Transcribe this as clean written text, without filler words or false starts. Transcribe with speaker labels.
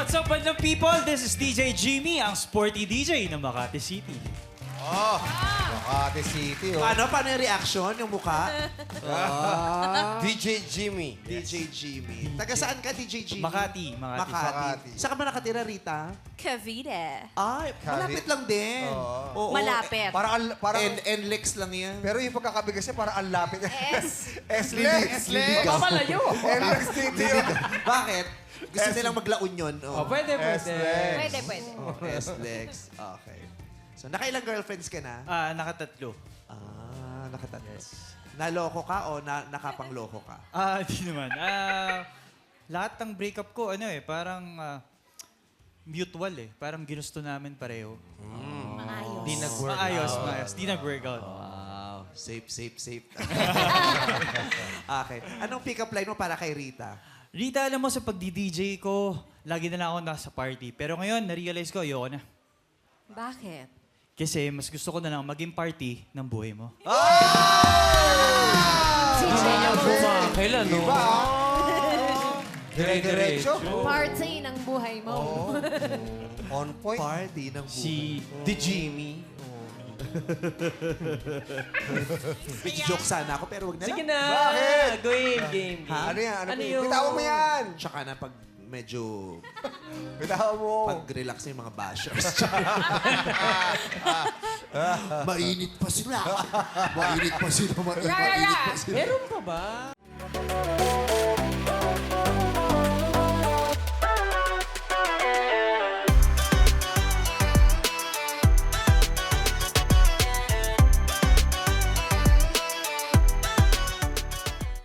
Speaker 1: What's up, bandang people? This is DJ Jimmy, ang sporty DJ ng Makati City.
Speaker 2: Makati City, oh.
Speaker 3: Paano yung reaction, yung mukha?
Speaker 2: DJ Jimmy.
Speaker 3: DJ Jimmy. Taga saan ka, DJ Jimmy?
Speaker 1: Makati.
Speaker 2: Makati.
Speaker 3: Saan ka ba nakatira, Rita?
Speaker 4: Cavite.
Speaker 3: Ay, malapit lang din. Oo.
Speaker 4: Malapit.
Speaker 2: Parang,
Speaker 3: NLEX lang yan.
Speaker 2: pero yung pagkakabigas niya, parang ang lapit. S-Lex.
Speaker 3: Liligaw.
Speaker 5: Papalayo.
Speaker 2: NLEX City, oh.
Speaker 3: Bakit? Gusto nilang magla-union.
Speaker 5: Oh, pwede.
Speaker 4: Pwede.
Speaker 3: SLEX. Okay. So, nakailang girlfriends ka na?
Speaker 1: Nakatatlo.
Speaker 3: Nakatatlo. Naloko ka o nakapangloko ka?
Speaker 1: Di naman. Lahat ng breakup ko, parang mutual eh. Parang ginusto namin pareho.
Speaker 4: Maayos.
Speaker 5: Di nag-work.
Speaker 1: Maayos. Di nag-workout.
Speaker 3: Wow. Safe. Okay. Anong pick-up line mo para kay Rita?
Speaker 1: Rita, alam mo, sa pagdi-DJ ko, lagi na lang ako nasa party. Pero ngayon, na-realize ko, ayoko na.
Speaker 4: Bakit?
Speaker 1: Kasi mas gusto ko na lang maging party ng buhay mo.
Speaker 5: Kailan, no?
Speaker 2: Diba? Dire-diretso.
Speaker 4: Party ng buhay mo.
Speaker 2: On point.
Speaker 3: Party ng buhay.
Speaker 1: Si
Speaker 3: The Jimmy. Joke sana ako, pero wag na
Speaker 5: Sige
Speaker 3: lang.
Speaker 5: na.
Speaker 2: Bakit?
Speaker 5: Game.
Speaker 2: Ano yan?
Speaker 5: Ano yun?
Speaker 2: Bitawan mo yan.
Speaker 3: Tsaka na pag medyo
Speaker 2: Bitawan mo.
Speaker 3: pag-relax na yung mga bashers. Mainit pa sila. Mainit pa sila.
Speaker 5: Meron pa ba?